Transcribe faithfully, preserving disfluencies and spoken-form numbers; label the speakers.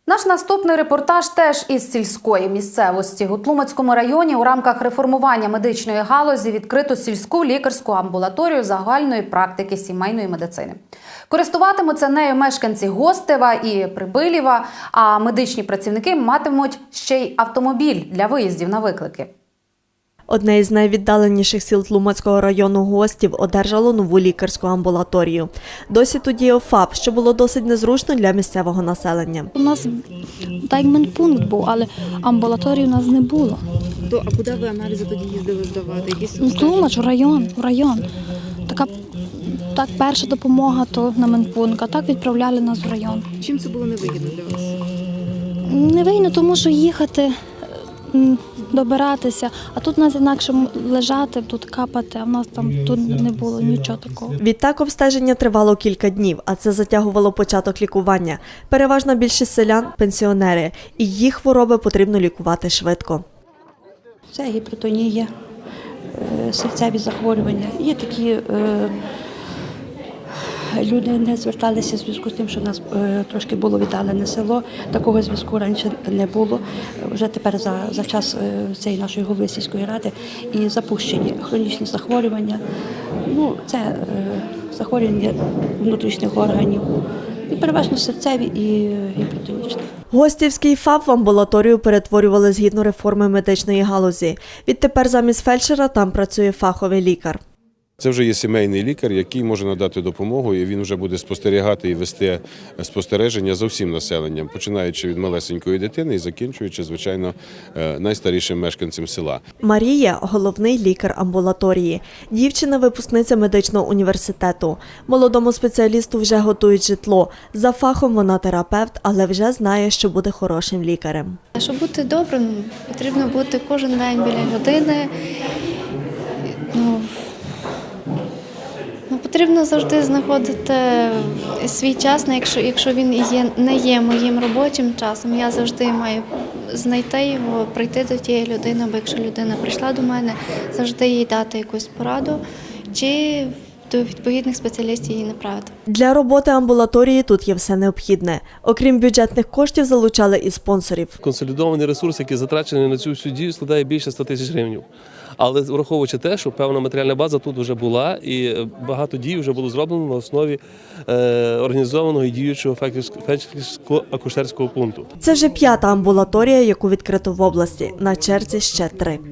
Speaker 1: Наш наступний репортаж теж із сільської місцевості. У Тлумацькому районі у рамках реформування медичної галузі відкрито сільську лікарську амбулаторію загальної практики сімейної медицини. Користуватимуться нею мешканці Гостева і Прибилєва, а медичні працівники матимуть ще й автомобіль для виїздів на виклики.
Speaker 2: Одне із найвіддаленіших сіл Тлумацького району Гостів одержало нову лікарську амбулаторію. Досі тут діяв ФАП, що було досить незручно для місцевого населення.
Speaker 3: У нас так як медпункт був, але амбулаторії у нас не було.
Speaker 4: То, а куди ви аналізи тоді їздили здавати? Якісь
Speaker 3: Ну, Тлумач, в район, в район. Така так, перша допомога то на медпункт, а так відправляли нас в район.
Speaker 4: Чим це було невигідно для вас?
Speaker 3: Невигідно, тому що їхати, м, добиратися, а тут у нас інакше лежати, тут капати, а в нас там тут не було нічого такого.
Speaker 2: Відтак обстеження тривало кілька днів, а це затягувало початок лікування. Переважна більшість селян – пенсіонери, і їх хвороби потрібно лікувати швидко.
Speaker 5: Це гіпертонія, серцеві захворювання. Є такі е, люди не зверталися в зв'язку з тим, що в нас е, трошки було віддалене село. Такого зв'язку раніше не було. Вже тепер за, за час е, цієї нашої голови сільської ради і запущені хронічні захворювання. Ну, це е, захворювання внутрішніх органів. І переважно серцеві і гіпертонічні.
Speaker 2: Гостівський ФАП в амбулаторію перетворювали згідно реформи медичної галузі. Відтепер замість фельдшера там працює фаховий лікар.
Speaker 6: Це вже є сімейний лікар, який може надати допомогу, і він вже буде спостерігати і вести спостереження за всім населенням, починаючи від малесенької дитини і закінчуючи, звичайно, найстарішим мешканцем села.
Speaker 2: Марія – головний лікар амбулаторії. Дівчина – випускниця медичного університету. Молодому спеціалісту вже готують житло. За фахом вона терапевт, але вже знає, що буде хорошим лікарем.
Speaker 7: Щоб бути добрим, потрібно бути кожен день біля людини. Ну, ну, потрібно завжди знаходити свій час, якщо, якщо він є, не є моїм робочим часом, я завжди маю знайти його, прийти до тієї людини, бо якщо людина прийшла до мене, завжди їй дати якусь пораду чи до відповідних спеціалістів її направити.
Speaker 2: Для роботи амбулаторії тут є все необхідне. Окрім бюджетних коштів, залучали і спонсорів.
Speaker 8: Консолідований ресурс, який затрачений на цю всю дію, складає більше ста тисяч гривень. Але враховуючи те, що певна матеріальна база тут вже була і багато дій вже було зроблено на основі е, організованого і діючого фельдшерсько-акушерського пункту.
Speaker 2: Це вже п'ята амбулаторія, яку відкрито в області. На черзі ще три.